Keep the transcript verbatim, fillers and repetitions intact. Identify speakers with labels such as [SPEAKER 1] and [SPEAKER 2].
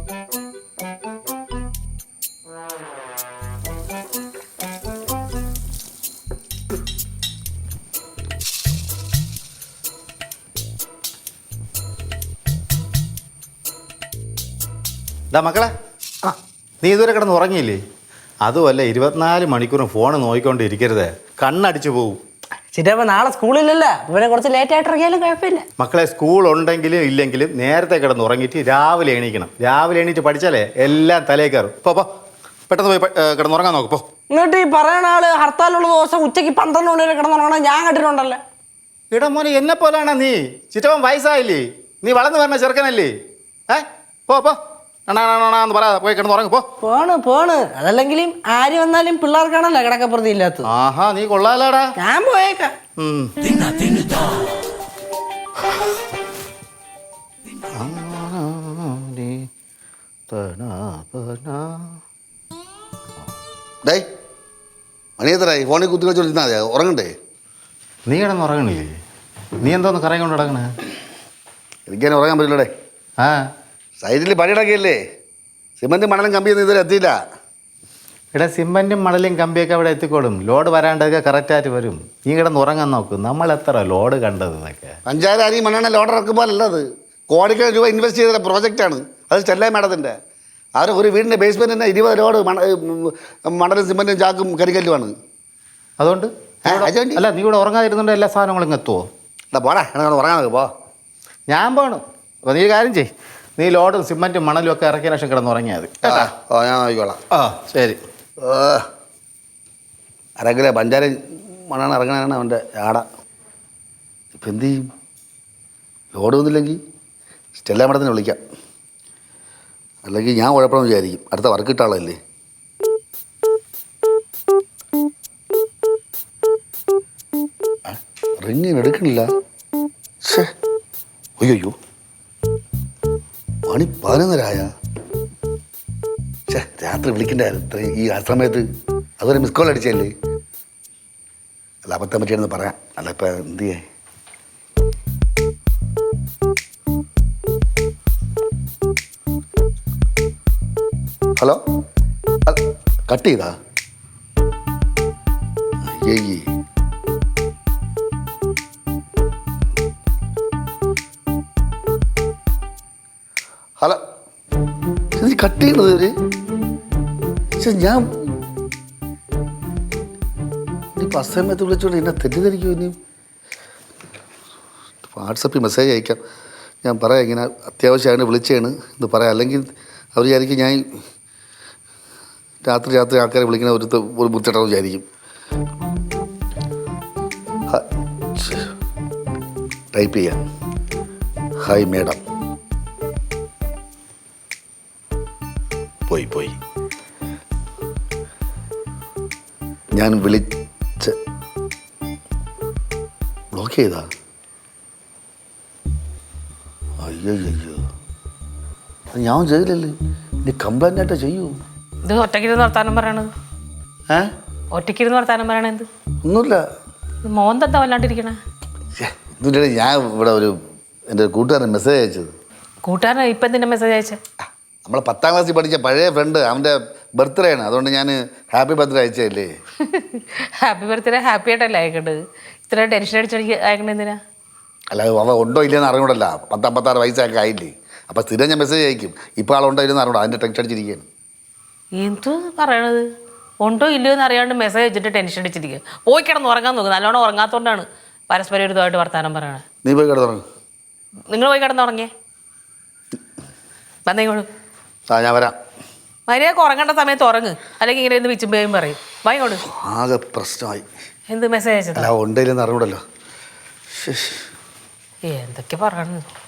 [SPEAKER 1] മക്കളെ ആ നീ ഇതുവരെ കിടന്ന് ഉറങ്ങിയില്ലേ? അതുമല്ല ഇരുപത്തിനാല് മണിക്കൂറും ഫോൺ നോക്കിക്കൊണ്ടിരിക്കരുത്, കണ്ണടിച്ചു പോവും.
[SPEAKER 2] ചിറ്റപ്പ നാളെ സ്കൂളിലല്ല, ഇവനെ കുറച്ച് ലേറ്റ് ആയിട്ട് ഇറങ്ങിയാലും കുഴപ്പമില്ല.
[SPEAKER 1] മക്കളെ സ്കൂൾ ഉണ്ടെങ്കിലും ഇല്ലെങ്കിലും നേരത്തെ കിടന്ന് ഉറങ്ങിയിട്ട് രാവിലെ എണീക്കണം. രാവിലെ എണീറ്റ് പഠിച്ചാലേ എല്ലാം തലേ കയറും. പോ പോ പെട്ടെന്ന് പോയി കിടന്നുറങ്ങാൻ നോക്ക് പോ.
[SPEAKER 2] എന്നിട്ട് ഈ പറയുന്ന ആള് ഹർത്താലുള്ള ദിവസം ഉച്ചയ്ക്ക് പന്ത്രണ്ട് മണി വരെ കിടന്നുറങ്ങണം ഞാൻ കണ്ടിട്ടുണ്ടല്ലേ.
[SPEAKER 1] ഇടാ മോനെ എന്നെ പോലാണോ നീ? ചിറ്റവൻ വയസ്സായില്ലേ, നീ വളർന്നു വരണ ചെറുക്കനല്ലേ? ഏ പോ പോ എന്ന് പറയാ പോയി കിടന്നുറങ്ങ് പോ.
[SPEAKER 2] പോണ് പോണ് അതല്ലെങ്കിലും ആര് വന്നാലും പിള്ളേർക്കാണല്ലോ കിടക്കപ്പുറത്തി ഇല്ലാത്തത്.
[SPEAKER 1] ആഹാ നീ കൊള്ളാലാടാ.
[SPEAKER 2] ഞാൻ പോയേക്കാം.
[SPEAKER 3] മണിയത്തരായി ഫോണിൽ കുത്തി കളിച്ചോണ്ടിരുന്നാ മതി, ഉറങ്ങണ്ടേ?
[SPEAKER 1] നീ കിടന്നുറങ്ങണില്ലേ? നീ എന്തോന്ന് കറങ്ങി കൊണ്ട് കിടക്കണേ?
[SPEAKER 3] എനിക്കതിനെ ഉറങ്ങാൻ പറ്റില്ലടേ.
[SPEAKER 1] ആ
[SPEAKER 3] സൈഡിൽ പണിയിടക്കില്ലേ, സിമൻറ്റും മണലും കമ്പിയൊന്നും ഇതുവരെ എത്തിയില്ല.
[SPEAKER 1] ഇവിടെ സിമൻറ്റും മണലും കമ്പിയൊക്കെ അവിടെ എത്തിക്കോളും. ലോഡ് വരാണ്ടൊക്കെ കറക്റ്റായിട്ട് വരും. നീ കിടന്ന് ഉറങ്ങാൻ നോക്കും. നമ്മൾ എത്ര ലോഡ് കണ്ടത് എന്നൊക്കെ.
[SPEAKER 3] പഞ്ചായത്ത് അരി മണ്ണെണ്ണ ലോഡ് ഇറക്കുമ്പോഴല്ല, അത് കോടിക്കണക്കിന് രൂപ ഇൻവെസ്റ്റ് ചെയ്ത പ്രോജക്റ്റാണ്. അത് ചെല്ലായി മേഡത്തിൻ്റെ. അവർ ഒരു വീടിൻ്റെ ബേസ്മെൻറ്റ് തന്നെ ഇരുപത് ലോഡ് മണ മണലും സിമൻറ്റും ചാക്കും കരിക്കല്ലുമാണ്.
[SPEAKER 1] അതുകൊണ്ട് അല്ല നീ ഇവിടെ ഉറങ്ങാതിരുന്നുണ്ട് എല്ലാ സാധനങ്ങളും ഇങ്ങ് എത്തുമോ?
[SPEAKER 3] അല്ല പോടാ, എന്നെ ഉറങ്ങാൻ നോക്ക് പോ.
[SPEAKER 1] ഞാൻ പോകണം. അപ്പോൾ നീ കാര്യം ചെയ്യ്, നീ ലോഡും സിമൻറ്റും മണലും ഒക്കെ ഇറക്കിയ ശേഷം കിടന്ന് ഉറങ്ങിയാൽ മതി.
[SPEAKER 3] ഓ ഞാൻ നോക്കിക്കോളാം.
[SPEAKER 1] ആ ശരി.
[SPEAKER 3] അരക്കിലെ പഞ്ചാര മണ്ണാണ് ഇറങ്ങണാണ് അവൻ്റെ ആട. ഇപ്പം എന്ത് ചെയ്യും? ലോഡ് വന്നില്ലെങ്കിൽ സ്റ്റെല്ല മേഡത്തിനെ വിളിക്കാം, അല്ലെങ്കിൽ ഞാൻ കുഴപ്പമെന്ന് വിചാരിക്കും. അടുത്ത വർക്ക് കിട്ടാളല്ലേ. റിങ്ങിന് എടുക്കണില്ല. ഷേ അയ്യോ മണി പതിനൊന്നരായ. ഛേ രാത്രി വിളിക്കണ്ടായിരുന്നു ഈ ആ സമയത്ത്. അതുവരെ മിസ് കോൾ അടിച്ചല്ലേ. അല്ല അബദ്ധം പറ്റിയാണെന്ന് പറയാം. അല്ല ഇപ്പം എന്ത് ചെയ്യേ? ഹലോ കട്ട് ചെയ്താ? അയ്യേ ഹലോ ഇത് കട്ട് ചെയ്യണത് ഇവര്? ഞാൻ ഇനിയിപ്പോൾ അസമയത്ത് വിളിച്ചോണ്ട് എന്നെ തെറ്റിദ്ധരിക്കും. ഇനി വാട്സപ്പിൽ മെസ്സേജ് അയക്കാം. ഞാൻ പറയാം ഇങ്ങനെ അത്യാവശ്യമാണ് വിളിച്ചതാണ് എന്ന് പറയാം. അല്ലെങ്കിൽ അവർ വിചാരിക്കും ഞാൻ രാത്രി രാത്രി ആൾക്കാരെ വിളിക്കണ ഒരു ഒരു ബുദ്ധിമുട്ടാണെന്ന് വിചാരിക്കും. ടൈപ്പ് ചെയ്യാം. Hi madam. പോയി പോയി ഞാൻ വിളിച്ച് ബ്ലോക്ക് ചെയ്താ? അയ്യോ അയ്യോ ഞാൻ ചെയ്തില്ലല്ലേ. ഇനി കംപ്ലൈൻ്റ് ആയിട്ടാ ചെയ്യൂ.
[SPEAKER 4] ഇത് ഒറ്റയ്ക്കിരുന്ന് വർത്താനം പറയണത്?
[SPEAKER 3] ഏ
[SPEAKER 4] ഒറ്റയ്ക്കിരുന്ന് വർത്താനം പറയണ എന്ത്?
[SPEAKER 3] ഒന്നുമില്ല.
[SPEAKER 4] മോൻ എന്താ വല്ലാണ്ടിരിക്കണേ?
[SPEAKER 3] എന്നിട്ട് ഞാൻ ഇവിടെ ഒരു എൻ്റെ കൂട്ടുകാരൻ മെസ്സേജ് അയച്ചത്.
[SPEAKER 4] കൂട്ടുകാരൻ ഇപ്പം എന്തിൻ്റെ മെസ്സേജ് അയച്ചേ?
[SPEAKER 3] നമ്മളെ പത്താം ക്ലാസ്സിൽ പഠിച്ച പഴയ ഫ്രണ്ട്, അവൻ്റെ ബർത്ത്ഡേ ആണ്. അതുകൊണ്ട് ഞാൻ ഹാപ്പി ബർത്ത്ഡേ അയച്ചല്ലേ.
[SPEAKER 4] ഹാപ്പി ബർത്ത്ഡേ ഹാപ്പി ആയിട്ടല്ലേ അയക്കേണ്ടത്? ഇത്ര ടെൻഷൻ അടിച്ചടിക്ക് അയക്കണ എന്തിനാ?
[SPEAKER 3] അല്ല അവ ഉണ്ടോ ഇല്ലെന്ന് അറിഞ്ഞൂടല്ല. പത്തമ്പത്താറ് വയസ്സൊക്കെ ആയില്ലേ. അപ്പം സ്ഥിരം ഞാൻ മെസ്സേജ് അയക്കും. ഇപ്പോൾ ആളുണ്ടോ ഇല്ലെന്ന് അറിഞ്ഞൂടാ, അതിൻ്റെ ടെൻഷൻ അടിച്ചിരിക്കുകയാണ്.
[SPEAKER 4] എന്ത് പറയണത്? ഉണ്ടോ ഇല്ലയോ എന്ന് അറിയാണ്ട് മെസ്സേജ് വെച്ചിട്ട് ടെൻഷൻ അടിച്ചിരിക്കുക. പോയി കിടന്ന് ഉറങ്ങാൻ നോക്കും. നല്ലോണം ഉറങ്ങാത്തതുകൊണ്ടാണ് പരസ്പരം ഒരുതായിട്ട് വർത്താനം പറയണത്.
[SPEAKER 3] നീ പോയി കിടന്നുറങ്ങും.
[SPEAKER 4] നിങ്ങൾ പോയി കിടന്നുറങ്ങിയേ. വന്നേക്കോളൂ.
[SPEAKER 3] ആ ഞാൻ വരാം.
[SPEAKER 4] മര്യാദക്ക് ഉറങ്ങേണ്ട സമയത്ത് ഉറങ്ങ്, അല്ലെങ്കിൽ ഇങ്ങനെ എന്ത് വിച്ചുമ്പേയും പറയും. വായിക്കോളൂ.
[SPEAKER 3] ആകെ പ്രശ്നമായി.
[SPEAKER 4] എന്ത് മെസ്സേജ് അയച്ചത്?
[SPEAKER 3] അല്ല ഉണ്ടോ ഇല്ലെന്ന് അറിഞ്ഞൂടല്ലോ.
[SPEAKER 4] എന്തൊക്കെ പറയണു.